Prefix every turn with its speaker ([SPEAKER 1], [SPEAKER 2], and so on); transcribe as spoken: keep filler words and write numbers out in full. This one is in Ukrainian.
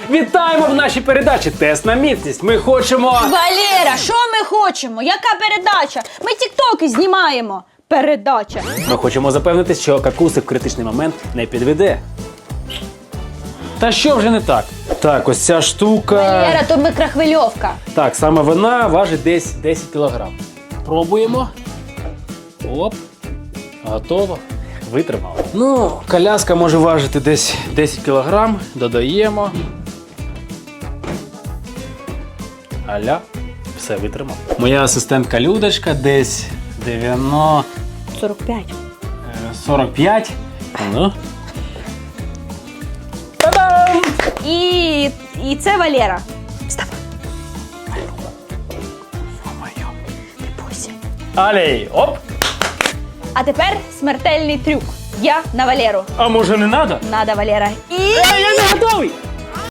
[SPEAKER 1] Вітаємо в нашій передачі «Тест на міцність». Ми хочемо...
[SPEAKER 2] Валера, що ми хочемо? Яка передача? Ми тіктоки знімаємо. Передача.
[SPEAKER 1] Ми хочемо запевнитись, що какусик в критичний момент не підведе. Та що вже не так? Так, ось ця штука...
[SPEAKER 2] Валера, то микрохвильовка.
[SPEAKER 1] Так, саме вона важить десь десять кілограм. Пробуємо. Оп. Готово. Витримало. Ну, коляска може важити десь десять кілограм. Додаємо. Аля. Все, витримав. Моя асистентка Людочка десь дев'яносто...
[SPEAKER 2] сорок п'ять.
[SPEAKER 1] сорок п'ять. Ну. Та-дам!
[SPEAKER 2] І, і це Валера. Вставай.
[SPEAKER 1] Ё-моё.
[SPEAKER 2] Не бойся.
[SPEAKER 1] Алей, оп.
[SPEAKER 2] А тепер смертельний трюк. Я на Валеру.
[SPEAKER 1] А може не надо?
[SPEAKER 2] Надо, Валера. І...
[SPEAKER 1] Я не готовий.